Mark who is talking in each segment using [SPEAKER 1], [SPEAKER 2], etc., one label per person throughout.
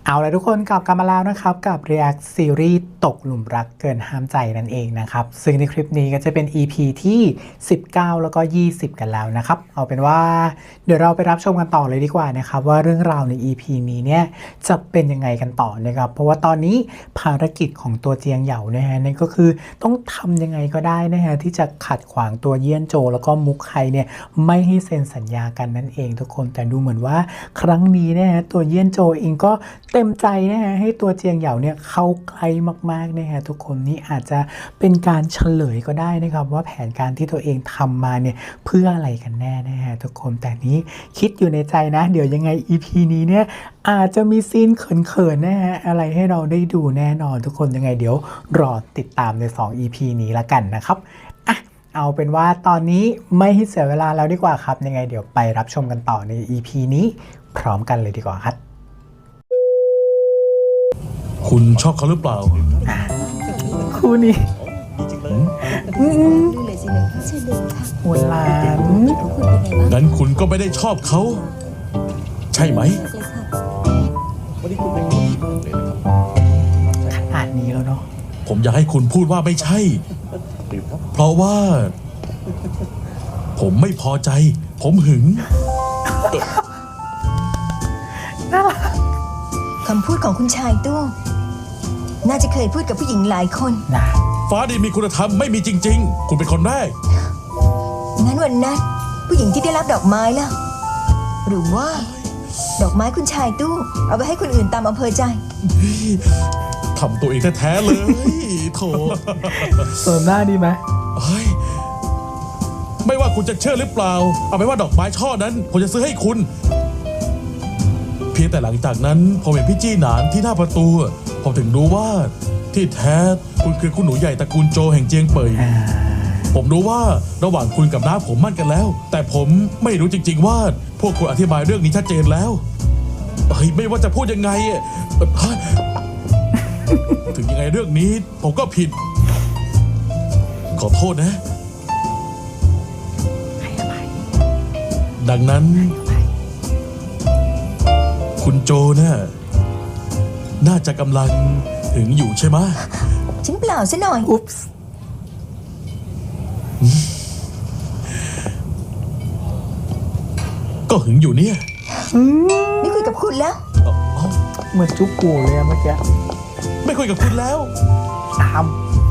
[SPEAKER 1] เอาละทุกคนกลับมาแล้วนะครับกับ React ซีรีส์ตกหลุมรักเกินห้ามใจนั่นเองนะครับซึ่งในคลิปนี้ก็จะเป็น EP ที่19แล้วก็20กันแล้วนะครับเอาเป็นว่าเดี๋ยวเราไปรับชมกันต่อเลยดีกว่านะครับว่าเรื่องราวใน EP นี้เนี่ยจะเป็นยังไงกันต่อนะครับเพราะว่าตอนนี้ภารกิจของตัวเจียงเหยานะฮะนั่นก็คือต้องทำยังไงก็ได้นะฮะที่จะขัดขวางตัวเยี่ยนโจแล้วก็มุกไคเนี่ยไม่ให้เซ็นสัญญากันนั่นเองทุกคนแต่ดูเหมือนว่าครั้งนี้นะฮะตัวเยี่ยนโจเองก็เต็มใจนะฮะให้ตัวเจียงเหยาเนี่ยเข้าใกล้มากๆนะฮะทุกคนนี่อาจจะเป็นการเฉลยก็ได้นะครับว่าแผนการที่ตัวเองทำมาเนี่ยเพื่ออะไรกันแน่นะฮะทุกคนแต่นี้คิดอยู่ในใจนะเดี๋ยวยังไง EP นี้เนี่ยอาจจะมีซีนเขินๆนะฮะอะไรให้เราได้ดูแน่นอนทุกคนยังไงเดี๋ยวรอติดตามใน2 EP นี้ละกันนะครับเอาเป็นว่าตอนนี้ไม่ให้เสียเวลาแล้วดีกว่าครับยังไงเดี๋ยวไปรับชมกันต่อใน EP นี้พร้อมกันเลยดีกว่าครับ
[SPEAKER 2] คุณชอบเขาหรือเปล่า
[SPEAKER 1] คู่นี้หัวหลาน
[SPEAKER 2] งั้นคุณก็ไม่ได้ชอบเขา ใช่ไหม
[SPEAKER 1] ขนาดนี้แล้วเนาะ
[SPEAKER 2] ผมอยากให้คุณพูดว่าไม่ใช่ เพราะว่า ผมไม่พอใจ ผมหึง
[SPEAKER 3] คำพูดของคุณชายตู้น่าจะเคยพูดกับผู้หญิงหลายคน
[SPEAKER 1] นะ
[SPEAKER 2] ฟ้าดีมีคุณธรรมไม่มีจริงๆคุณเป็นคนแรก
[SPEAKER 3] งั้นวันนั้นผู้หญิงที่ได้รับดอกไม้ล่ะหรือว่าดอกไม้คุณชายตู้เอาไปให้คนอื่นตามอำเภอใจ
[SPEAKER 2] ทำตัวเองแท้ๆเลยโถ
[SPEAKER 1] เสริมหน้าดีไหม
[SPEAKER 2] ไม่ว่าคุณจะเชื่อหรือเปล่าเอาไปว่าดอกไม้ช่อนั้นผมจะซื้อให้คุณเพียงแต่หลังจากนั้นผมเห็นพี่จี้หนานที่หน้าประตูผมถึงรู้ว่าที่แท้คุณคือคุณหนูใหญ่ตระกูลโจแห่งเจียงเป่ยผมรู้ว่าระหว่างคุณกับน้าผมมั่นกันแล้วแต่ผมไม่รู้จริงๆว่าพวกคุณอธิบายเรื่องนี้ชัดเจนแล้วไม่ว่าจะพูดยังไงถึงยังไงเรื่องนี้ผมก็ผิดขอโทษนะดังนั้นคุณโจน่าจะกำลังถึงอยู่ใช่ไหม
[SPEAKER 3] ฉันเปล่าซะหน่อย
[SPEAKER 1] อุ๊ปส์
[SPEAKER 2] ก็หึงอยู่เนี่ย
[SPEAKER 3] ไม่คุยกับคุณแล้ว
[SPEAKER 1] เหมือนจุ๊บกูเลยเมื่อกี้
[SPEAKER 2] ไม่คุยกับคุณแล้ว
[SPEAKER 1] ตาม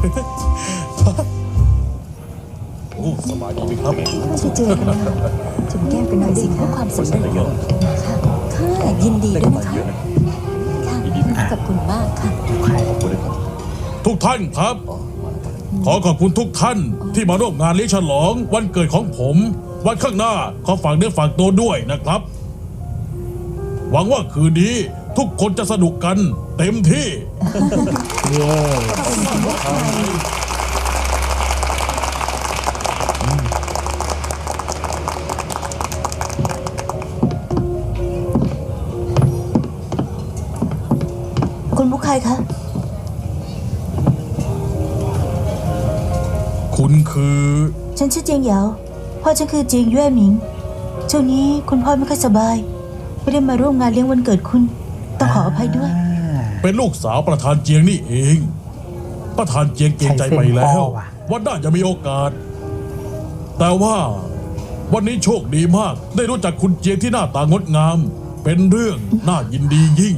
[SPEAKER 2] โอ้สบายดีไหมครับ
[SPEAKER 3] ไม่ได้เจอกันแล้วจุ่มแก้มกันหน่อยสิคะความสำเร็จค่ะยินดีด้วยนะคะค่ะขอบคุณมากค่ะ
[SPEAKER 2] ทุกท่านครับขอขอบคุณทุกท่านที่มาร่วมงานเลี้ยงฉลองวันเกิดของผมวันข้างหน้าขอฝากเนื้อฝากตัวด้วยนะครับหวังว่าคืนนี้ทุกคนจะสนุกกันเต็มที่
[SPEAKER 1] เย้
[SPEAKER 3] คุณมุกใครคะ
[SPEAKER 2] คุณคือ
[SPEAKER 3] ฉันชื่อเจียงเหยาพ่อฉันคือเจียงเย่หมิงช่วงนี้คุณพ่อไม่ค่อยสบายไม่ได้มาร่วมงานเลี้ยงวันเกิดคุณต้องขออภัยด้วย
[SPEAKER 2] เป็นลูกสาวประธานเจียงนี่เองประธานเจียงเกรงใจไปแล้ววันหน้าจะมีโอกาสแต่ว่าวันนี้โชคดีมากได้รู้จักคุณเจียงที่หน้าตางดงามเป็นเรื่องน่ายินดียิ่ง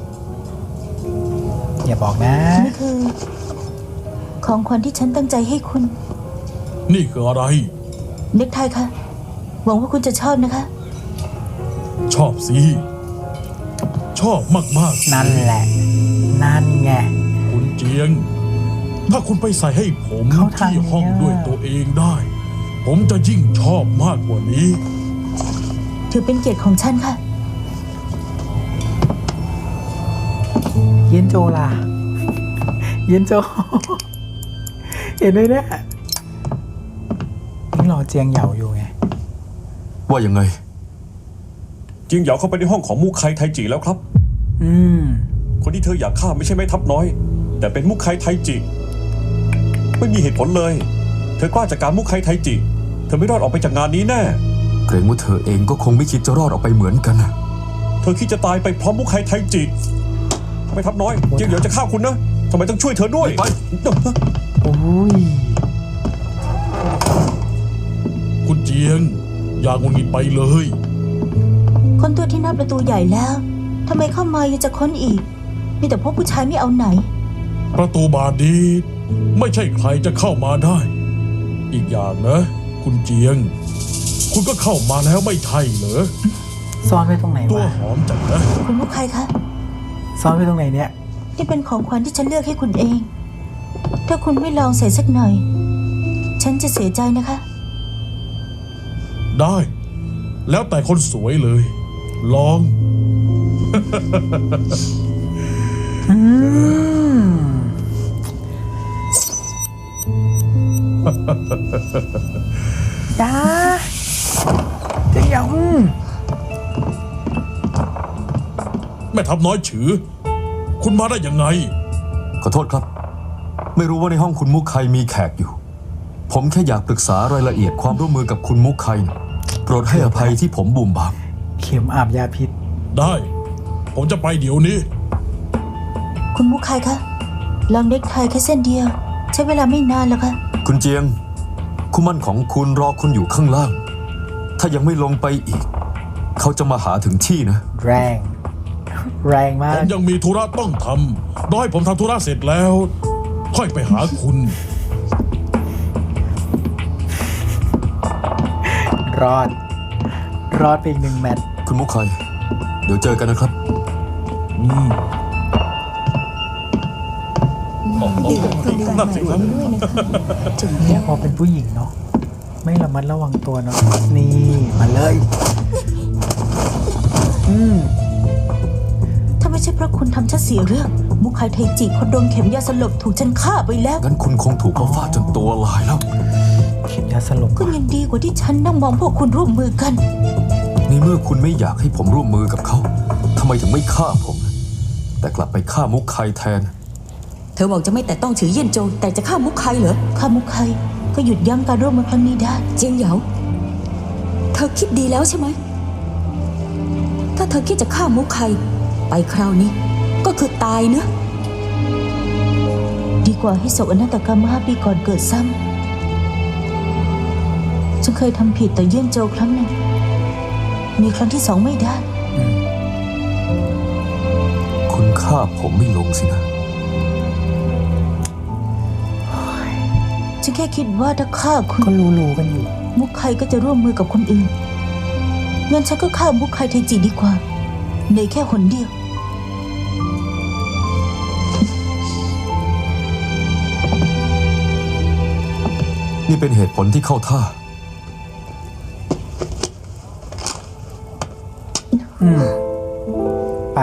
[SPEAKER 1] อย่าบอกนะ
[SPEAKER 3] นี่คือของขวัญที่ฉันตั้งใจให้คุณ
[SPEAKER 2] นี่คืออะไร
[SPEAKER 3] เน็กไทค่ะหวังว่าคุณจะชอบนะคะ
[SPEAKER 2] ชอบสิชอบมาก
[SPEAKER 1] ๆนั่นแหละนั่นไง
[SPEAKER 2] คุณเจียงถ้าคุณไปใส่ให้ผมที่ห้องด้วยตัวเองได้ผมจะยิ่งชอบมากกว่านี้
[SPEAKER 3] ถือเป็นเกียรติของฉันค่ะ
[SPEAKER 1] เย็นโจล่ะเย็นโจเห็นไหมเนี่ยนี่รอเจียงเหยาอยู่ไง
[SPEAKER 4] ว่ายังไง
[SPEAKER 5] เจียงเหยาเข้าไปในห้องของมุกไคไทจิแล้วครับคนที่เธออยากฆ่าไม่ใช่แม่ทัพน้อยแต่เป็นมุกไคไทจิไม่มีเหตุผลเลยเธอกล้าจัดการมุกไคไทจิเธอไม่รอดออกไปจากงานนี้แน่
[SPEAKER 4] เกรงว่าเธอเองก็คงไม่คิดจะรอดออกไปเหมือนกันนะ
[SPEAKER 5] เธอคิดจะตายไปพร้อมมุกไคไทจิไม่ทับน้อยเจียงเหยียวจะฆ่าคุณนะทำไมต้องช่วยเธอด้วย
[SPEAKER 4] ไป
[SPEAKER 1] โอ้ย
[SPEAKER 2] คุณเจียง อย่าหงุดหงิดไปเลย
[SPEAKER 3] ค้นตัวที่หน้าประตูใหญ่แล้วทำไมเข้ามายังจะค้นอีก มีแต่พวกผู้ชายไม่เอาไหน
[SPEAKER 2] ประตูบานนี้ไม่ใช่ใครจะเข้ามาได้ อีกอย่างนะ คุณเจียง คุณก็เข้ามาแล้วไม่ใช่เหรอ
[SPEAKER 1] ซ่อนไว้ตรงไหน
[SPEAKER 2] ตัว
[SPEAKER 1] วะ
[SPEAKER 2] หอมจังนะ
[SPEAKER 3] คุณมุกใครคะ
[SPEAKER 1] ซ่อนไว้ตรงไหนเนี่ย
[SPEAKER 3] นี่เป็นของขวัญที่ฉันเลือกให้คุณเอง ถ้าคุณไม่ลองใส่สักหน่อย ฉันจะเสียใจนะคะ
[SPEAKER 2] ได้ แล้วแต่คนสวยเลย ลอง
[SPEAKER 1] อืมจ้าเจียง
[SPEAKER 2] แม่ทับน้อยฉือ คุณมาได้ยังไง
[SPEAKER 4] ขอโทษครับ ไม่รู้ว่าในห้องคุณมุกไคมีแขกอยู่ ผมแค่อยากปรึกษารายละเอียดความร่วมมือกับคุณมุกไคนะโปรดให้อภัยที่ผมบุ่มบาม
[SPEAKER 1] เข็มอาบยาพิษ
[SPEAKER 2] ได้ ผมจะไปเดี๋ยวนี้
[SPEAKER 3] คุณมุกใครคะลองเน็กไทแค่เส้นเดียว ใช้เวลาไม่นานแล้วค่ะ
[SPEAKER 4] คุณเจียง คู่หมั่นของคุณรอคุณอยู่ข้างล่าง ถ้ายังไม่ลงไปอีก เขาจะมาหาถึงที่นะ
[SPEAKER 1] แรง แรงมา
[SPEAKER 2] ผ
[SPEAKER 1] ก
[SPEAKER 2] มยังมีธุระต้องทำรอให้ผมทำธุระเสร็จแล้ว ค่อยไปหาคุณ
[SPEAKER 1] รอด รอดไปอีก1 แมตช์
[SPEAKER 4] คุณมุกไคเดี๋ยวเจอกันนะครับ
[SPEAKER 2] นั่นสิครับ
[SPEAKER 1] เนี่ยพอเป็นผู้หญิงเนาะไม่ระมัดระวังตัวเนาะนี่ มาเลย
[SPEAKER 3] ถ้าไม่ใช่เพราะคุณทำฉันเสียเรื่อง มุกไคไทจิคนโดนเข็มยาสลบถูกฉันฆ่าไปแล้ว
[SPEAKER 4] งั้นคุณคงถูกเขาฟาดจนตัวลายแล้ว
[SPEAKER 1] เข็มยาสลบ
[SPEAKER 3] ก็ยังดีกว่าที่ฉันนั่งมองพวกคุณร่วมมือกัน
[SPEAKER 4] ในเมื่อคุณไม่อยากให้ผมร่วมมือกับเขาทำไมถึงไม่ฆ่าผม แต่กลับไปฆ่ามุกไคแทน
[SPEAKER 6] เธอบอกจะไม่แต่ต้องถือเยี่ยนโจวแต่จะฆ่ามุกใครเหรอ
[SPEAKER 3] ข้ามุกไคก็หยุดยั้งการร่วมมือครั้งนี้ได้
[SPEAKER 6] เจียงเหยาเธอคิดดีแล้วใช่ไหม ถ้าเธอคิดจะฆ่ามุกใครไปคราวนี้ ก็คือตายเนอะ
[SPEAKER 3] ดีกว่าให้โศกอนาตกรรม5 ปีก่อนเกิดซ้ำฉันเคยทำผิดต่อเยี่ยนโจวครั้งหนึ่ง มีครั้งที่ 2ไม่ได้
[SPEAKER 4] คุณฆ่าผมไม่ลงสินะ
[SPEAKER 3] ฉันแค่คิดว่าถ้าฆ่าคุณ
[SPEAKER 1] ก็รู้ๆกันอยู่
[SPEAKER 3] มุกไคก็จะร่วมมือกับคนอื่น งั้นฉันก็ฆ่ามุกไคไทจิดีกว่าในแค่หนเดียว
[SPEAKER 4] นี่เป็นเหตุผลที่เข้าท่า
[SPEAKER 1] ไป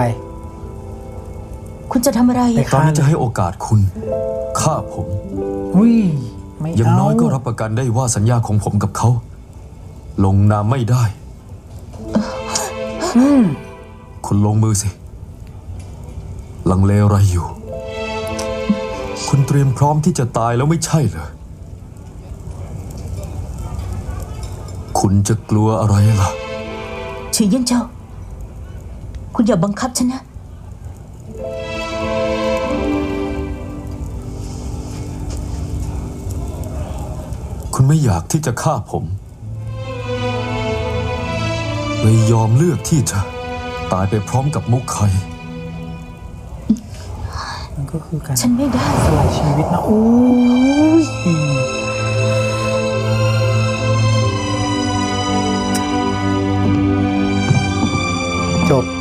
[SPEAKER 3] คุณจะทำอะไร
[SPEAKER 1] ไป
[SPEAKER 3] อะ
[SPEAKER 4] ตอนนี้จะให้โอกาสคุณฆ่าผม
[SPEAKER 1] อุ้ย ไม่
[SPEAKER 4] อย่าง
[SPEAKER 1] เอา
[SPEAKER 4] น้อยก็รับประกันได้ว่าสัญญาของผมกับเขา ลงนามไม่ได้ คุณลงมือสิ ลังเลอะไรอยู่ คุณเตรียมพร้อมที่จะตายแล้วไม่ใช่เหรอ คุณจะกลัวอะไรล่ะ
[SPEAKER 3] ชื่อเยี่ยนเจ้า คุณอย่าบังคับฉันนะ
[SPEAKER 4] คุณไม่อยากที่จะฆ่าผมเลยยอมเลือกที่จะตายไปพร้อมกับมุกไค
[SPEAKER 1] มันก็คือการ
[SPEAKER 3] ฉันไม่ได้
[SPEAKER 1] สละชีวิตนะโอ้ยจบ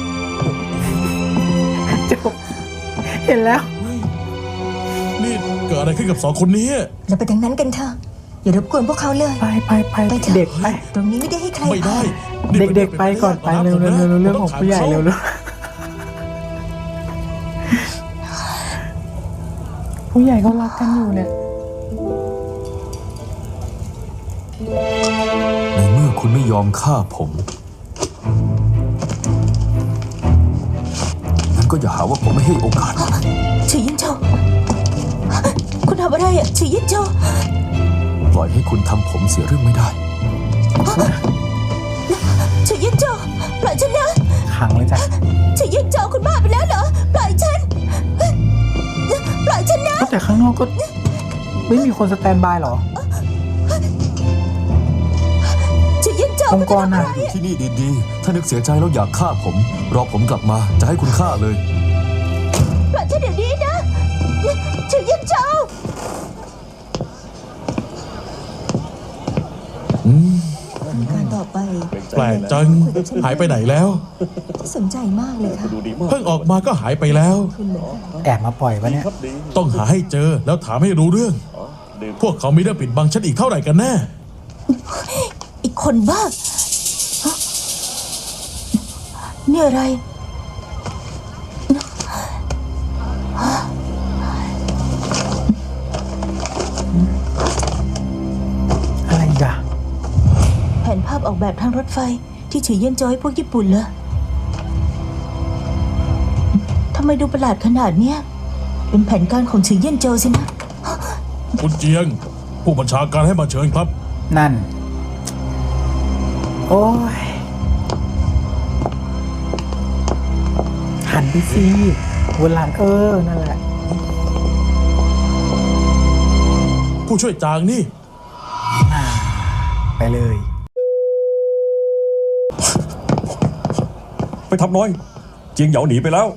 [SPEAKER 1] จบ เห็นแล้ว
[SPEAKER 2] นี่เกิดอะไรขึ้นกับ2 คนนี้
[SPEAKER 7] เราไปทางนั้นกันเถอะอย่ารบกวนพวกเขาเลย
[SPEAKER 1] ไปไปไป
[SPEAKER 7] ไปเถอะ
[SPEAKER 1] เด็กไป
[SPEAKER 7] ตรงนี้ไม่ได้ให้ใคร
[SPEAKER 2] ไม่ได้
[SPEAKER 7] ผ่าน
[SPEAKER 2] นี่
[SPEAKER 1] เด็กๆไปก่อนไปเร็วเร็วเร็วเรื่องของผู้ใหญ่เร็วเร็วผู้ใหญ่เขารักกันอยู่เนี่ย
[SPEAKER 4] ในเมื่อคุณไม่ยอมฆ่าผม งั้นก็อย่าหาว่าผมไม่ให้โอกาส
[SPEAKER 3] ชื่อเยี่ยนเจ้า คุณทำอะไรอะชื่อเยี่ยนเจ้า
[SPEAKER 4] ปล่อยให้คุณทำผมเสียเรื่องไม่ได้
[SPEAKER 3] ชื่อเยี่ยนเจ้า ปล่อยฉันนะ
[SPEAKER 1] ขังเลยจ้ะ
[SPEAKER 3] ชื่อเยี่ยนเจ้าคุณบ้าไปแล้วเหรอ ปล่อยฉัน
[SPEAKER 1] ข้างนอกก็ไม่มีคนสแตนบายเหรอ
[SPEAKER 3] จะยิ่งเจ้า
[SPEAKER 1] องค์กรน่ะ
[SPEAKER 4] อยู่ที่นี่ดีๆ ถ้านึกเสียใจแล้วอยากฆ่าผม รอผมกลับมาจะให้คุณฆ่าเลย
[SPEAKER 3] ปล่อยฉันเดี๋ยวนี้นะจะยิ่งเจ้า
[SPEAKER 7] การต่อไป
[SPEAKER 2] แปลกจัง หายไปไหนแล้ว
[SPEAKER 7] สนใจมากเลยค่ะ
[SPEAKER 5] ดูดีมาก
[SPEAKER 2] เพิ่งออกมาก็หายไปแล้ว
[SPEAKER 7] คุณเหมือนกัน
[SPEAKER 1] แอบมาปล่อยวะเนี่ย
[SPEAKER 5] ครับดี
[SPEAKER 2] ต้องหาให้เจอแล้วถามให้รู้เรื่อง
[SPEAKER 5] ดื่ม
[SPEAKER 2] พวกเขามีเรื่องปิดบังฉันอีกเท่าไหร่กันแน่
[SPEAKER 3] อีกคนบ้าฮะนี่อะไร
[SPEAKER 1] อะไรอีกอะ
[SPEAKER 3] แผนภาพออกแบบทางรถไฟที่ถือเยี่ยนจอยพวกญี่ปุ่นเหรอทำไมดูประหลาดขนาดเนี้ย เป็นแผนการของถือเยี่ยนโจวสินะ
[SPEAKER 2] คุณเจียง ผู้บัญชาการให้มาเชิญครับ
[SPEAKER 1] นั่น โอ้ย หันไปสิวนหลังนั่นแหละ
[SPEAKER 2] ผู้ช่วยจางนี่
[SPEAKER 1] ไปเลย
[SPEAKER 5] ไปทับน้อย เจียงเหยาหนีไปแล้ว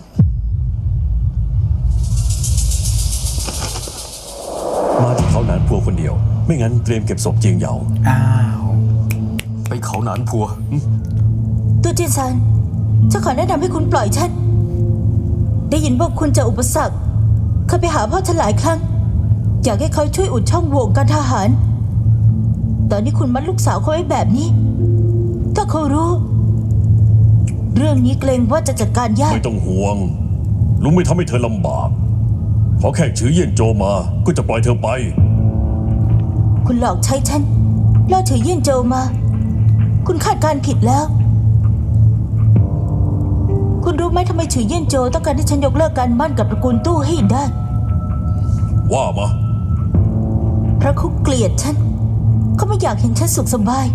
[SPEAKER 5] มาที่เขาหนานพัวคนเดียว ไม่งั้นเตรียมเก็บศพเจียงเหยา
[SPEAKER 1] อ้าว
[SPEAKER 4] ไปเขาหนานพัว
[SPEAKER 3] ตัวจินซันจะขอแนะนำให้คุณปล่อยฉัน ได้ยินว่าคุณเจะอุปสรรคเคยไปหาพ่อฉันหลายครั้ง อยากให้เขาช่วยอุดช่องโหว่การทหาร ตอนนี้คุณมัดลูกสาวเขาไว้แบบนี้ ถ้าเขารู้ เรื่องนี้เกรงว่าจะจัดการยาก
[SPEAKER 5] ไม่ต้องห่วง ลุงไม่ทำให้เธอลำบาก ขอแค่ชื่อเยี่ยนโจมา ก็จะปล่อยเธอไป
[SPEAKER 3] คุณหลอกใช้ฉันล่อเฉยเยี่ยนโจวมา คุณคาดการณ์ผิดแล้ว คุณรู้ไหมทำไมเฉยเยี่ยนโจวต้องการให้ฉันยกเลิกการมั่นกับตระกูลตู้ให้ได้
[SPEAKER 5] ว่ามา
[SPEAKER 3] เพราะเขาเกลียดฉัน เขาไม่อยากเห็นฉันสุขสบาย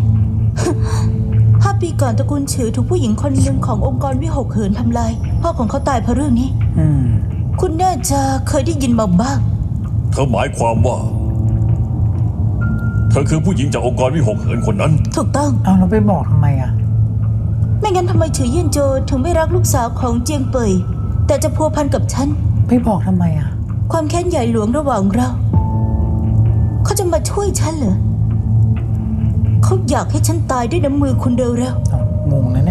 [SPEAKER 3] 5 ปีก่อนตระกูลฉือถูกผู้หญิงคนหนึ่งขององค์กรวิหกเหินทำลาย พ่อของเขาตายเพราะเรื่องนี้
[SPEAKER 1] อืม
[SPEAKER 3] คุณน่าจะเคยได้ยินมาบ้าง
[SPEAKER 5] เธอหมายความว่า เธอคือผู้หญิงจากองค์กรวิหกเหินคนนั้น
[SPEAKER 3] ถูกต้อง
[SPEAKER 1] เอาเราไปบอกทำไมอะ
[SPEAKER 3] ไม่งั้นทำไมเฉยเยี่ยนโจวถึงไม่รักลูกสาวของเจียงเป่ยแต่จะพัวพันกับฉัน
[SPEAKER 1] ไปบอกทำไมอะ
[SPEAKER 3] ความแค้นใหญ่หลวงระหว่างเรา เขาจะมาช่วยฉันเหรอ เขาอยากให้ฉันตายด้วยน้ำมือคุณเร็ว
[SPEAKER 1] เอางงนะเนี่ย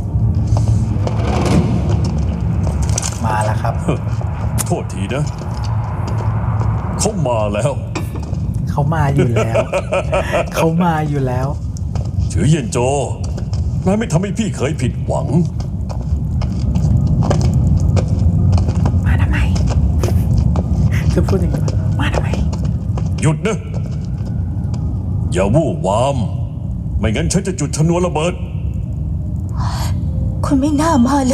[SPEAKER 1] มาแล้วครับ
[SPEAKER 5] โทษทีนะ เขามาแล้ว
[SPEAKER 1] เขามาอยู่แล้ว เขามาอยู่แล้ว
[SPEAKER 5] ชื่อเยี่ยนโจนายไม่ทำให้พี่เคยผิดหวัง
[SPEAKER 1] มาทำไม จะพูดอย่างนี้ปะมาทำไม
[SPEAKER 5] หยุดนะ อย่าวู่วาม ไม่งั้นฉันจะจุดชนวนระเบิด
[SPEAKER 3] ๆ คุณไม่น่ามาเลย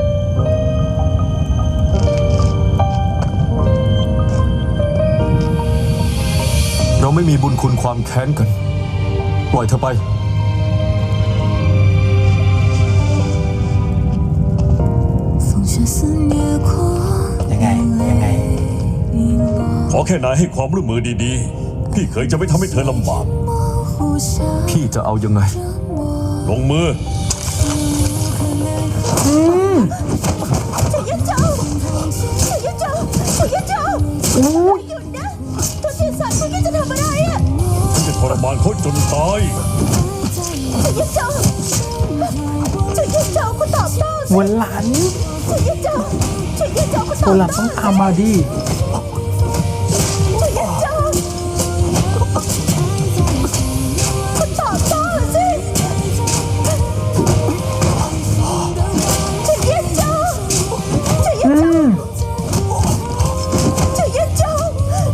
[SPEAKER 4] เราไม่มีบุญคุณความแค้นกัน ปล่อยเธอไป
[SPEAKER 1] ยังไง ยังไง
[SPEAKER 5] ขอแค่นายให้ความร่วมมือดีๆ พี่เคยจะไม่ทำให้เธอลำบาก
[SPEAKER 4] พี่จะเอายังไง
[SPEAKER 5] ลงมือ
[SPEAKER 3] เฉยเยี่ยนโจวเฉยเยี่ยนโจวเฉยเยี่ยนโจวหยุดนะ ตัวจินซันคุณนี่จะทำอะไรอะ
[SPEAKER 5] ฉันจะทรมานเขาจนตาย
[SPEAKER 3] เฉยเยี่ยนโจวเฉยเยี่ยนโจวคุณตอบโต้สิ
[SPEAKER 1] วันหลัง
[SPEAKER 3] เฉยเยี่ยนโจวเฉยเยี่ยนโจวคุณตอบ
[SPEAKER 1] วันหลัง
[SPEAKER 3] โต้
[SPEAKER 1] ต้องตามมาดิ
[SPEAKER 3] เฉยเยี่ยนโจวคุณตอบโต้สิเฉยเยี่ยนโจวเฉยเยี่ยนโจวเฉยเยี่ยนโจว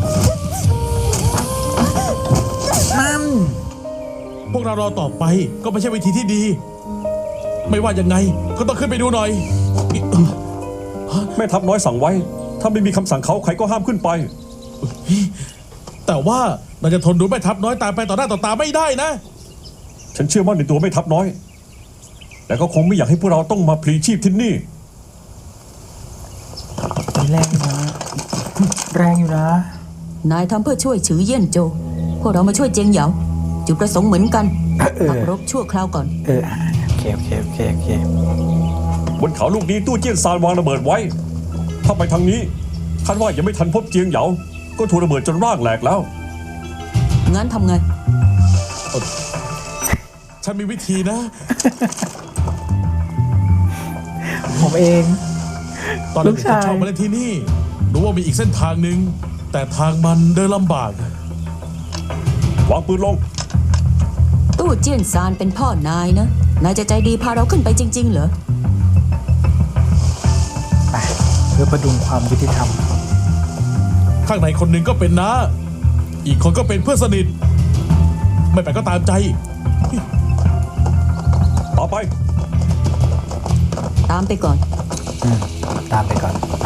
[SPEAKER 1] นั่น
[SPEAKER 2] พวกเรารอต่อไปก็ไม่ใช่วิธีที่ดี ไม่ว่ายังไงก็ต้องขึ้นไปดูหน่อย
[SPEAKER 5] แม่ทัพน้อยสั่งไว้ ถ้าไม่มีคำสั่งเขาใครก็ห้ามขึ้นไป
[SPEAKER 2] แต่ว่าเราจะทนดูแม่ทัพน้อยตายไปต่อหน้าต่อตาไม่ได้นะ
[SPEAKER 5] ฉันเชื่อมั่นในตัวแม่ทัพน้อย แต่ก็คงไม่อยากให้พวกเราต้องมาพลีชีพที่นี่
[SPEAKER 1] ทีแรกนะแรงอยู่นะ
[SPEAKER 6] นายทำเพื่อช่วยฉือเยี่ยนโจ พวกเรามาช่วยเจียงเหยาจุดประสงค์เหมือนกัน พักรบชั่วคราวก่อน
[SPEAKER 1] โอเค
[SPEAKER 5] บนเขาลูกนี้ตู้เจี้ยนซานวางระเบิดไว้ ถ้าไปทางนี้คาดว่ายังไม่ทันพบเจียงเหยาก็ถูกระเบิดจนร่างแหลกแล้ว
[SPEAKER 6] งั้นทำไง
[SPEAKER 2] ฉันมีวิธีนะ
[SPEAKER 1] ผมเอง
[SPEAKER 2] ตอน
[SPEAKER 1] ลู
[SPEAKER 2] เด็
[SPEAKER 1] ก
[SPEAKER 2] กๆ
[SPEAKER 1] ชาย
[SPEAKER 2] ฉันชอบมาเล่นที่นี่ รู้ว่ามีอีกเส้นทางหนึ่ง แต่ทางมันเดินลำบาก
[SPEAKER 5] วางปืนลง
[SPEAKER 6] ตู้เจี้ยนซานเป็นพ่อนายนะ นายจะใจดีพาเราขึ้นไปจริง ๆ เหรอ
[SPEAKER 1] ไปเพื่อประดุงความยุติธรรม
[SPEAKER 2] ข้างในคนหนึ่งก็เป็นน้า อีกคนก็เป็นเพื่อนสนิท ไม่ไปก็ตามใจ
[SPEAKER 5] ต่อไป
[SPEAKER 6] ตามไปก่อน
[SPEAKER 1] ตามไปก่อน ไป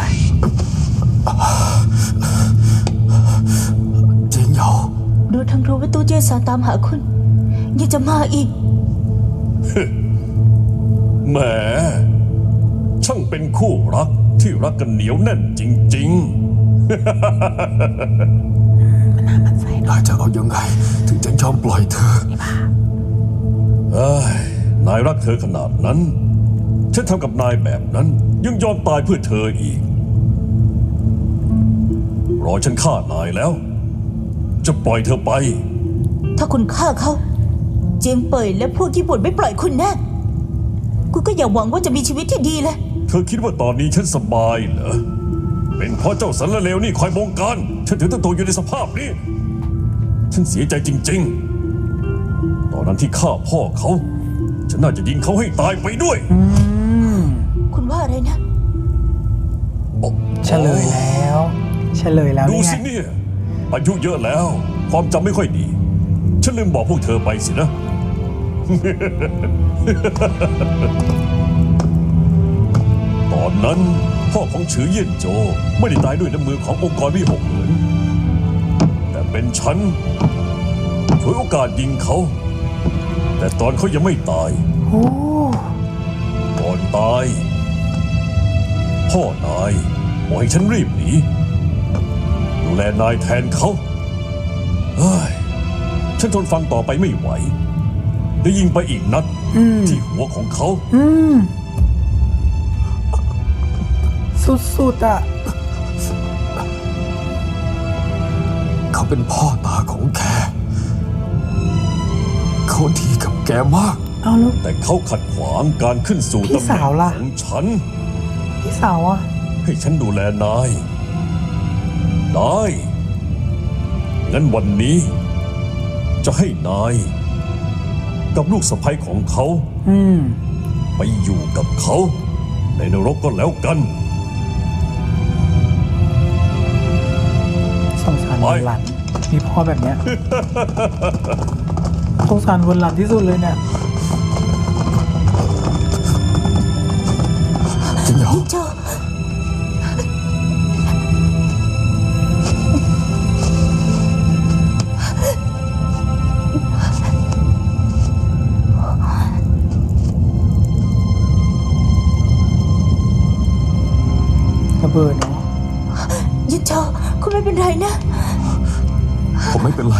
[SPEAKER 4] เจียงเหยา
[SPEAKER 3] รู้ทั้งรู้ว่าตู้เจี้ยนซานตามหาคุณ ยังจะมาอีก
[SPEAKER 5] แหม ช่างเป็นคู่รักที่รักกันเหนียวแน่นจริง
[SPEAKER 4] นายจะเอายังไง ถึงจะยอมปล่อยเธอ
[SPEAKER 5] ๆ เอ้ย นายรักเธอขนาดนั้น ฉันทำกับนายแบบนั้น ยังยอมตายเพื่อเธออีก รอฉันฆ่านายแล้ว จะปล่อยเธอไป
[SPEAKER 3] ถ้าคุณฆ่าเขา เจียงเป่ยและพวกญี่ปุ่นไม่ปล่อยคุณแน่คุณก็อย่าหวังว่าจะมีชีวิตที่ดีเลย
[SPEAKER 5] เธอคิดว่าตอนนี้ฉันสบายเหรอ เป็นเพราะเจ้าสันละเลวนี่คอยบงการ ฉันถึงต้องตกอยู่ในสภาพนี้ ฉันเสียใจจริงๆ ตอนนั้นที่ฆ่าพ่อเขา ฉันน่าจะยิงเขาให้ตายไปด้วย
[SPEAKER 3] คุณว่าอะไรนะ
[SPEAKER 1] เฉลยแล้ว
[SPEAKER 5] ดู
[SPEAKER 1] นี่ไง
[SPEAKER 5] สิเนี่ยอายุเยอะแล้ว ความจำไม่ค่อยดี ฉันลืมบอกพวกเธอไปสินะ ตอนนั้นพ่อของฉือเยี่ยนโจไม่ได้ตายด้วยน้ำมือขององค์กรวิหกเหมือนแต่เป็นฉันฉวยโอกาสยิงเขา แต่ตอนเขายังไม่ตาย
[SPEAKER 1] โอ้
[SPEAKER 5] ก่อนตาย พ่อนายบอกให้ฉันรีบหนีดูแลนายแทนเขาเฮ้ยฉันทนฟังต่อไปไม่ไหวได้ยิงไปอีกนัดที่หัวของเขา
[SPEAKER 1] สุดๆอ่ะ
[SPEAKER 4] เขาเป็นพ่อตาของแก เขาดีกับแกมาก
[SPEAKER 1] เอาลูก
[SPEAKER 5] แต่เขาขัดขวางการขึ้นสู่
[SPEAKER 1] พี่
[SPEAKER 5] ตำแหน่
[SPEAKER 1] สาว
[SPEAKER 5] ง
[SPEAKER 1] ล่ะ
[SPEAKER 5] ของฉัน
[SPEAKER 1] พี่สาวอ่ะ
[SPEAKER 5] ให้ฉันดูแลนาย ได้งั้นวันนี้ จะให้นาย กับลูกสะใภ้ของเขา ไปอยู่กับเขา ในนรกก็แล้วกัน
[SPEAKER 1] สงสารวนหลันมีพ่อแบบเนี้ย สงสารวนหลันที่สุดเลยเนี่ย
[SPEAKER 4] เจียงเหยา
[SPEAKER 3] เจ้า
[SPEAKER 1] ระเบิดเนาะ
[SPEAKER 3] ยินโจคุณไม่เป็นไรนะ
[SPEAKER 4] ผมไม่เป็นไร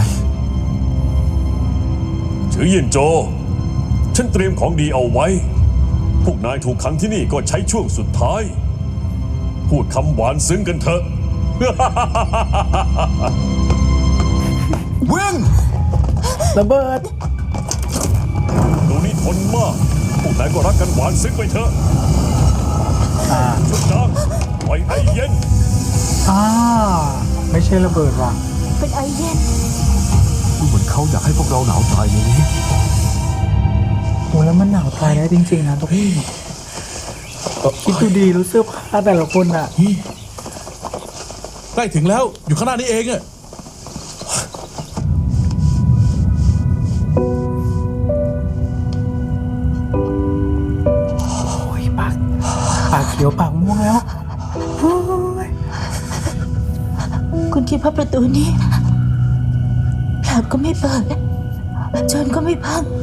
[SPEAKER 5] ฉือเยี่ยนโจ ฉันเตรียมของดีเอาไว้ พวกนายถูกขังที่นี่ก็ใช้ช่วงสุดท้าย พูดคำหวานซึ้งกันเถอะ
[SPEAKER 4] วิ่ง
[SPEAKER 1] ระเบิด
[SPEAKER 5] ดูนี่ทนมาก พวกนายก็รักกันหวานซึ้งไปเถอะชุดจางปล่อยไอเย็น
[SPEAKER 1] ไม่ใช่ระเบิดว่ะ
[SPEAKER 3] เป็นไอเย็น
[SPEAKER 4] ดูเหมือนเขาอยากให้พวกเราหนาวตายในนี้
[SPEAKER 1] โหแล้วมันหนาวตายแล้วจริงๆนะทุกคนคิดดูดีรู้เสื้อผ้าแต่ละคนอ่ะ
[SPEAKER 2] ใกล้ถึงแล้วอยู่ข้างหน้านี้เองอะ
[SPEAKER 1] โอ้ยปากเขียวปากม่วงแล้วโอ้ย
[SPEAKER 3] คุณคิดว่าประตูนี้ผลักก็ไม่เปิดจนก็ไม่พัง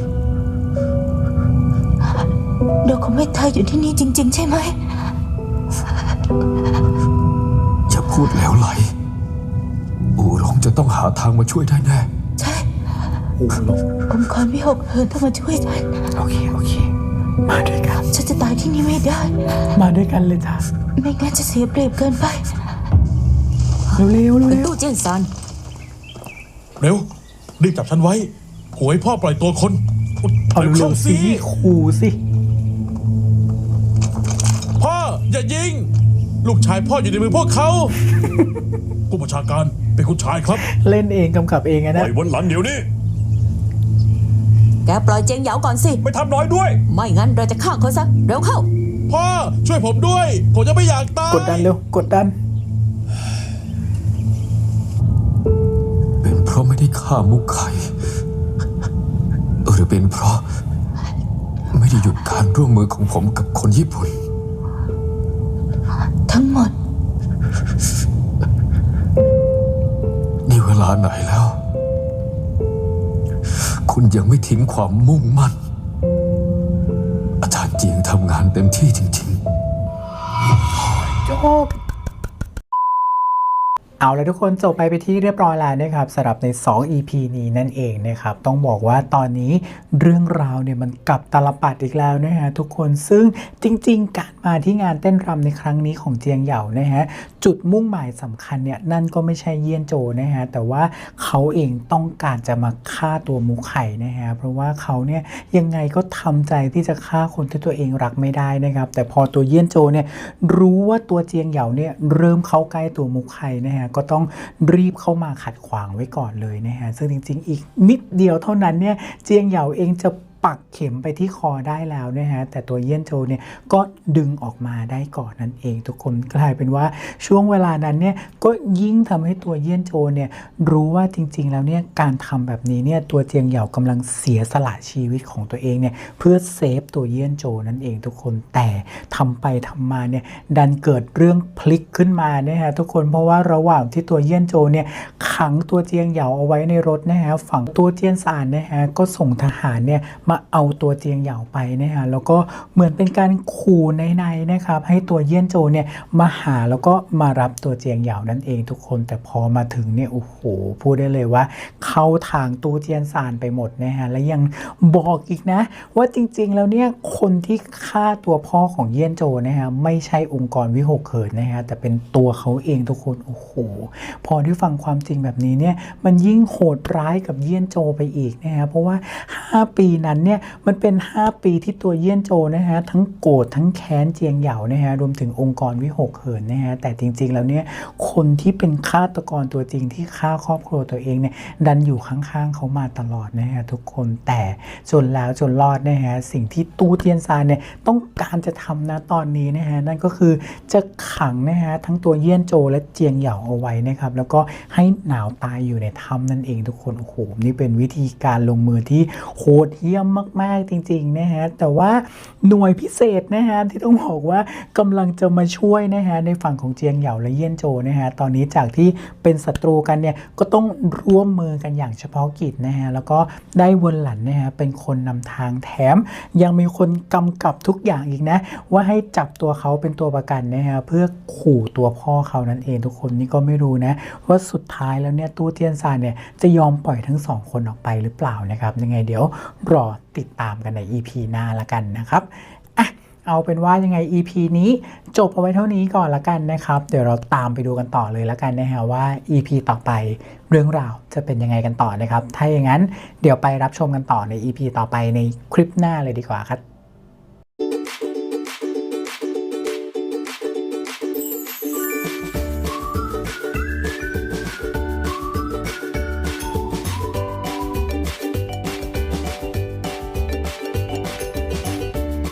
[SPEAKER 3] เราคงไม่ตายอยู่ที่นี่จริง ๆ ใช่ไหม
[SPEAKER 4] อย่าพูดแล้วไหล อูหลงจะต้องหาทางมาช่วยได้แน่
[SPEAKER 3] ใช่
[SPEAKER 1] โอ้โหลง
[SPEAKER 3] องค์กรวิหกเหินต้องมาช่วยฉัน
[SPEAKER 1] โอเค มาด้วยกัน
[SPEAKER 3] ฉันจะตายที่นี่ไม่ได้
[SPEAKER 1] มาด้วยกันเลยจ้ะ
[SPEAKER 3] ไม่งั้นจะเสียเปรียบเกินไป
[SPEAKER 1] เร็ว
[SPEAKER 6] ตู้เจียนซาน
[SPEAKER 2] เร็ว รีบจับฉันไว้หวยพ่อปล่อยตัวคน
[SPEAKER 1] เอา
[SPEAKER 2] เร็ว
[SPEAKER 1] เร็
[SPEAKER 2] เข้าว
[SPEAKER 1] สิขู่สิ
[SPEAKER 2] พ่ออย่ายิง ลูกชายพ่ออยู่ในมือพวกเขา ผู้บัญชาการเป็นคุณชายครับ
[SPEAKER 1] เล่นเองกำกับเองอะ
[SPEAKER 5] ปล่
[SPEAKER 1] นะ
[SPEAKER 5] อยวันหลังเดี๋ยวนี้
[SPEAKER 6] แกปล่อยเจียงเหยาก่อนสิ
[SPEAKER 5] ไม่ทำน้อยด้วย
[SPEAKER 6] ไม่งั้นเราจะฆ่าเขาซะ เร็วเข้า
[SPEAKER 2] พ่อช่วยผมด้วย ผมจะไม่อยากตาย
[SPEAKER 1] กดดันเร็ว กดดัน
[SPEAKER 4] เป็นเพราะไม่ได้ฆ่ามุกไข่หรือเป็นเพราะ ไม่ได้หยุดการร่วมมือของผมกับคนญี่ปุ่น
[SPEAKER 3] ทั้งหมด
[SPEAKER 4] นี่เวลาไหนแล้ว คุณยังไม่ทิ้งความมุ่งมั่น อาจารย์เจียงทำงานเต็มที่จริงๆ
[SPEAKER 1] จบเอาแล้วทุกคนจบไปที่เรียบร้อยแล้วนะครับสำหรับใน 2 EP นี้นั่นเองนะครับต้องบอกว่าตอนนี้เรื่องราวเนี่ยมันกลับตาลปัดอีกแล้วนะฮะทุกคนซึ่งจริงๆการมาที่งานเต้นรำในครั้งนี้ของเจียงเหยานะฮะจุดมุ่งหมายสำคัญเนี่ยนั่นก็ไม่ใช่เยี่ยนโจนะฮะแต่ว่าเขาเองต้องการจะมาฆ่าตัวมุกไข่นะฮะเพราะว่าเขาเนี่ยยังไงก็ทำใจที่จะฆ่าคนที่ตัวเองรักไม่ได้นะครับแต่พอตัวเยี่ยนโจเนี่ยรู้ว่าตัวเจียงเหยาเนี่ยเริ่มเข้าใกล้ตัวมุกไข่นะฮะก็ต้องรีบเข้ามาขัดขวางไว้ก่อนเลยนะฮะซึ่งจริงๆอีกนิดเดียวเท่านั้นเนี่ยเจียงเหยาเองจะปักเข็มไปที่คอได้แล้วนะฮะแต่ตัวเยี่ยนโจเนี่ยก็ดึงออกมาได้ก่อนนั่นเองทุกคนกลายเป็นว่าช่วงเวลานั้นเนี่ยก็ยิ่งทำให้ตัวเยี่ยนโจเนี่ยรู้ว่าจริงๆแล้วเนี่ยการทำแบบนี้เนี่ยตัวเจียงเหยากำลังเสียสละชีวิตของตัวเองเนี่ยเพื่อเซฟตัวเยี่ยนโจนั่นเองทุกคนแต่ทำไปทำมาเนี่ยดันเกิดเรื่องพลิกขึ้นมานะฮะทุกคนเพราะว่าระหว่างที่ตัวเยี่ยนโจเนี่ยขังตัวเจียงเหยาเอาไว้ในรถนะฮะฝั่งตัวเจียนซานนะฮะก็ส่งทหารเนี่ยมาเอาตัวเจียงเหยาไปนะฮะแล้วก็เหมือนเป็นการขู่ในนะครับให้ตัวเยี่ยนโจเนี่ยมาหาแล้วก็มารับตัวเจียงเหยานั่นเองทุกคนแต่พอมาถึงเนี่ยโอ้โหพูดได้เลยว่าเข้าทางตู้เจียนซานไปหมดนะฮะและยังบอกอีกนะว่าจริงๆแล้วเนี่ยคนที่ฆ่าตัวพ่อของเยี่ยนโจนะฮะไม่ใช่องค์กรวิหกเหินนะฮะแต่เป็นตัวเขาเองทุกคนโอ้โหพอได้ฟังความจริงแบบนี้เนี่ยมันยิ่งโหดร้ายกับเยี่ยนโจไปอีกนะฮะเพราะว่า5 ปีนั้นเนี่ยมันเป็น5 ปีที่ตัวเยี่ยนโจนะฮะทั้งโกรธทั้งแค้นเจียงเหยานะฮะรวมถึงองค์กรวิหกเหินนะฮะแต่จริงๆแล้วเนี่ยคนที่เป็นฆาตกรตัวจริงที่ฆ่าครอบครัวตัวเองเนี่ยดันอยู่ข้างๆเขามาตลอดนะฮะทุกคนแต่จนแล้วจนรอดนะฮะสิ่งที่ตู้เทียนซานเนี่ยต้องการจะทำนะตอนนี้นะฮะนั่นก็คือจะขังนะฮะทั้งตัวเยี่ยนโจและเจียงเหยาเอาไว้นะครับแล้วก็ให้หนาวตายอยู่ในถ้ำนั่นเองทุกคนโอ้โหนี่เป็นวิธีการลงมือที่โหดเหี้ยมมากๆจริงๆนะฮะแต่ว่าหน่วยพิเศษนะฮะที่ต้องบอกว่ากำลังจะมาช่วยนะฮะในฝั่งของเจียงเหยาและเยี่ยนโจนะฮะตอนนี้จากที่เป็นศัตรูกันเนี่ยก็ต้องร่วมมือกันอย่างเฉพาะกิจนะฮะแล้วก็ได้เวินหลันนะฮะเป็นคนนำทางแถมยังมีคนกำกับทุกอย่างอีกนะว่าให้จับตัวเขาเป็นตัวประกันนะฮะเพื่อขู่ตัวพ่อเขานั่นเองทุกคนนี่ก็ไม่รู้นะว่าสุดท้ายแล้วเนี่ยตู้เทียนซานเนี่ยจะยอมปล่อยทั้ง2 คนออกไปหรือเปล่านะครับยังไงเดี๋ยวรอติดตามกันใน EP หน้าละกันนะครับเอาเป็นว่ายังไง EP นี้จบเอาไว้เท่านี้ก่อนละกันนะครับเดี๋ยวเราตามไปดูกันต่อเลยละกันนะฮะว่า EP ต่อไปเรื่องราวจะเป็นยังไงกันต่อนะครับถ้าอย่างนั้นเดี๋ยวไปรับชมกันต่อใน EP ต่อไปในคลิปหน้าเลยดีกว่าครับ